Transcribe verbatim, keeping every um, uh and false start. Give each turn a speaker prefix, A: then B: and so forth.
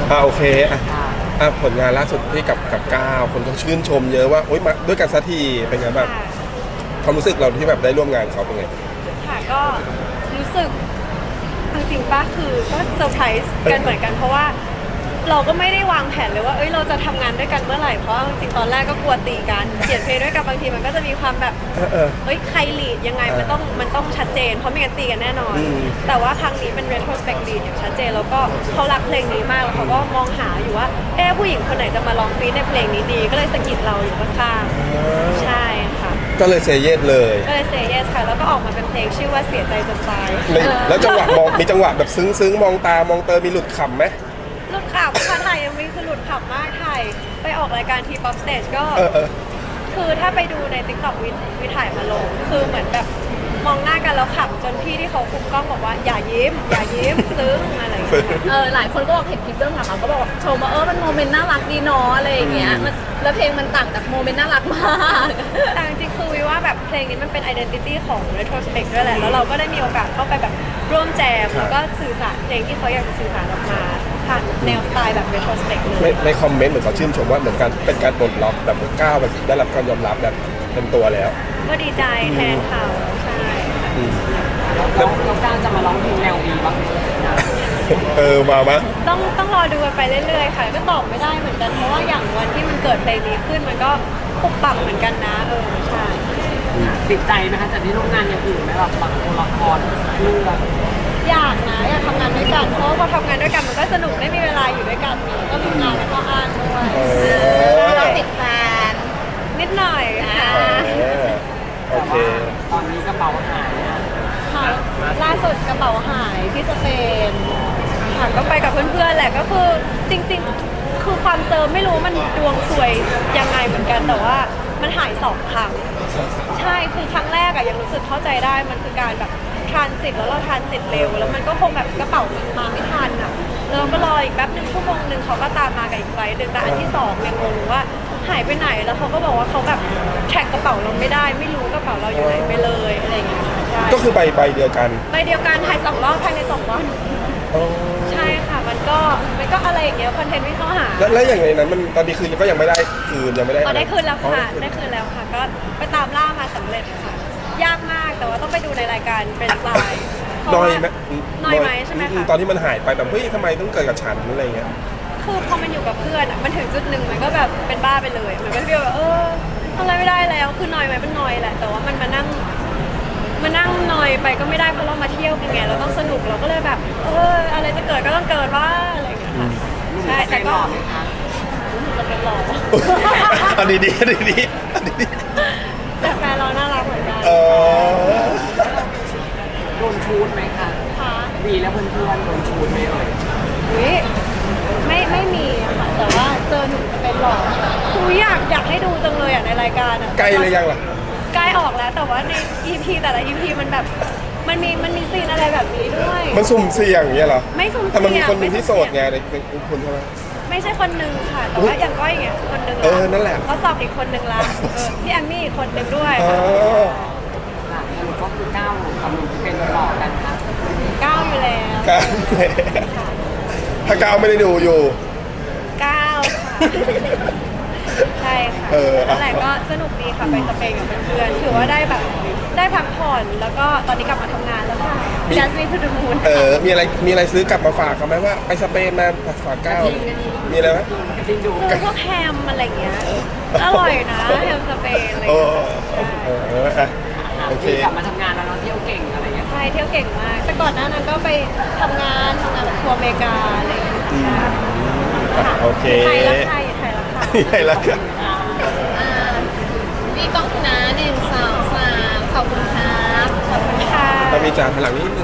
A: อ่าโอเคอ่ะอ่ะผลงานล่าสุดที่กับกับก้าวคนก็ชื่นชมเยอะว่าโอ๊ยมาด้วยกันสักทีเป็นไงแบบความรู้สึกเราที่แบบได้ร่วมงานเขาเป็นไง
B: ค่ะก็รู้สึกจริงๆป้าคือก็เซอร์ไพรส์กันเหมือนกันเพราะว่าเราก็ไม่ได้วางแผนเลยว่าเอ้ยเราจะทำงานด้วยกันเมื่อไหร่เพราะจริงๆตอนแรกก็กลัวตีกันเขียนเพลงด้วยกันบางทีมันก็จะมีความแบบเอ้ยใครลีดยังไงมันต้องมันต้องชัดเจนเพราะไม่งั้นตีกันแน่นอนแต่ว่าครั้งนี้เป็น retrospect lead อย่างชัดเจนแล้วก็เขารักเพลงนี้มากแล้วเขาก็มองหาอยู่ว่าเอ๊ะผู้หญิงคนไหนจะมาร้องฟีดในเพลงนี้ดีก็เลยสะกิดเราอยู่ข้างๆใช่ค่ะ
A: ก็เลยเซเยสเลย
B: ก็เลยเซเยสค่ะแล้วก็ออกมาเป็นเพลงชื่อว่าเสียใจจนตาย
A: แล้วจังหวะมองมีจังหวะแบบซึ้งๆมองตามองเตอมีหลุดขำไหม
B: หลุดขำค่ะถ่ายยังมีคือหลุดขำมากถ่ายไปออกรายการทีป๊อปสเตจก็คือถ้าไปดูใน ติ๊กต็อก วิวิถ่ายมาลงคือเหมือนแบบมองหน้ากันแล้วขำจนพี่ที่เขาคุมกล้องบอกว่าอย่ายิ้มอย่ายิ้มซึ้งอะไรอย่างเงี้ย
C: เออหลายคนก็บอกเห็นคลิปเรื่องหลังๆก็บอกชมว่าเออมันโมเมนต์น่ารักดีเนาะอะไรอย่างเงี้ยมันแล้วเพลงมันต่างจากโมเมนต์น่ารักมาก
B: แต่จริงๆคือวิว่าแบบเพลงนี้มันเป็น identity ของ retrospect ด้วยแหละแล้วเราก็ได้มีโอกาสเข้าไปแบบร่วมแจมแล้วก็สื่อสารเพลงที่เขาอยากจะสื่อสารออกมาผ่านแนวสไตล์แบบ retrospect เลย
A: ในคอมเมนต์เหมือนเขาชื่นชมว่าเหมือนกันเป็นการปลดล็อกแบบก้าวแบบได้รับการยอมรับแบบเป็นตัวแล้ว
B: ก็ดีใจแทนเขาใช่
D: แล้วน้องก้าวจะมาร้องเพลงแนวดีบ้าง
A: เออมามะ
B: ต้องต้องรอดูกันไปเรื่อยๆค่ะก็ตอบไม่ได้เหมือนกันเพราะว่าอย่างวันที่มันเกิดเพลงนี้ขึ้นมันก็ปุบปังเหมือนกันนะเออใช่
D: ติดใจไหมคะจากที่ร่วมงานอย่างอื่นไหมแบบบางละครเรื่อง
B: อยากนะอยากทำงานด้วยกันเพราะว่าพอทำงานด้วยกันมันก็สนุกได้มีเวลาอยู่ด้วยกันก็มีงานแล้วก็อ่านด้วย
C: เราติดแฟน
B: นิดหน่อยค่ะ
A: โอเค
D: ตอนนี้กระเป๋าหาย
B: ค่ะล่าสุดกระเป๋าหายที่สเปนค่ะก็ไปกับเพื่อนๆแหละก็คือจริงๆคือความเติมไม่รู้มันดวงสวยยังไงเหมือนกันแต่ว่ามันหายสองครั้งใช่คือครั้งแรกอะยังรู้สึกเข้าใจได้มันคือการแบบทรานสิตแล้วเราทรานสิตเร็วแล้วมันก็คงแบบกระเป๋ามันมาไม่ทันอะแล้วเราก็รออีกแป๊บหนึ่งชั่วโมงหนึ่งเขาก็ตามมากับอีกไฟล์หนึ่งแต่อันที่สองยังงงว่าหายไปไหนแล้วเขาก็บอกว่าเขาแบบแท็กกระเป๋าเราไม่ได้ไม่รู้กระเป๋าเราอยู่ไหนไปเลยอะไรอย่างเงี้ยใช่
A: ก็คือใบใบเดียวกัน
B: ใบเดียวกันถ่ายสองรอบภายในสองวันใช่ค่ะมันก็มันก็อะไรอย่างเงี้ยคอนเทนต์ไม่เข้าหา
A: แล้วแล้วอย่างไรนั้นมันตอนนี้คืนก็ยังไม่ได้คืนยังไม่ได้
B: อ๋อได้คืนแล้วค่ะได้คืนแล้วค่ะก็ไปตามล่ามาสำเร็จค่ะยากมากแต่ว่าต้องไปดูในรายการเป็นไลน์
A: น้อยไหม
B: น้อยไหมใช่ไหมคะ
A: ตอนที่มันหายไปแบบเฮ้ยทำไมต้องเกิดกับฉันอะไรเงี้ย
B: คือพอมันอยู่กับเพื่อนอ่ะมันถึงจุดหนึ่งมันก็แบบเป็นบ้าไปเลยมันก็ฟีลแบบเออทำอะไรไม่ได้แล้วคือน้อยไหมมันน้อยแหละแต่ว่ามันมานั่งมานั่งน้อยไปก็ไม่ได้เพราะเรามาเที่ยวกันไงเราต้องสนุกเราก็เลยแบบเอออะไรจะเกิดก็ต้องเกิดว่าอะไรอย่างเงี้ยค่ะใช่แต่ก็จะเป็นหล่อ
A: อันนี้ดีอันนี้ดีอันนี้ดี
B: แต่แฟนเราน่ารักเหมือนกัน
D: โดนชูดไหมคะดีแล้วเพื่อนๆโดนชูดไหมเอ่ย
B: วิไม่ไม่มีค่ะแต่ว่าเจอหนูจะเป็นหล่อคืออยากอยากให้ดูจังเลยอ่ะในรายการอ่ะ
A: ใกล้เลยยังล่ะ
B: ใกล้ออกแล้วแต่ว่าใน อี พี แต่ละ อี พี มันแบบมันมีมันมีซีนอะไรแบบนี้ด้วย
A: มันสุ่มเสี่ยงอย่างเงี้ยเหรอ
B: ไม่สุ่มเสี่ยง
A: แต่มันมีคนนึงที่โสดไงในคุณใช่ไหม
B: ไม่ใช่คนนึงค่ะแต่ว่าอย่างก้อยอย่างเงี้ยคนนึง
A: เออนั่นแหละ
B: เขาสอบอีกคนนึงละพี่แอมมี่อีกคนนึงด้วย
D: สรุปก็คือก้าวกับหนุ่มที่เป็นหล่อกันค่ะ
B: ก้าวอยู่แล้ว
A: ถ้าก้าวไม่ได้ดูอยู่
B: ก้าวใช่ค่ะนั่นแหละก็สนุกดีค่ะไปสเปนกับเพื่อนๆถือว่าได้แบบได้พักผ่อนแล้วก็ตอนนี้กลับมาทำงานแล้วค่ะจัสมินทูดูมูน
A: เออมีอะไรมีอะไรซื้อกลับมาฝากเขาไหมว่าไปสเปนมาฝากก้าวมีอะไรไหม
B: ซื้อพวกแฮมอะไรเงี้ยอร่อยนะแฮมสเปนอะไรเงี้ย
D: โอเคกลับมาทำงานแล้วเราเที่ยวเก่งอะไรเงี้ย
B: ใช่เที่ยวเก่งมากแต่ก่อนหน้านั้นก็ไปทำงานทำงานทัวร์อเมริกาอะไรอย่างเงี้ย
A: โอเค
B: ไทยแล้วไทยไทยแล้วค่ะ
A: ไทยแล้วค่ะ
C: มีกล้องนะหนึ่งสองสามขอบคุณครับ
B: ขอบคุณค่ะ
A: ต้องมีจานพลังนิดนึง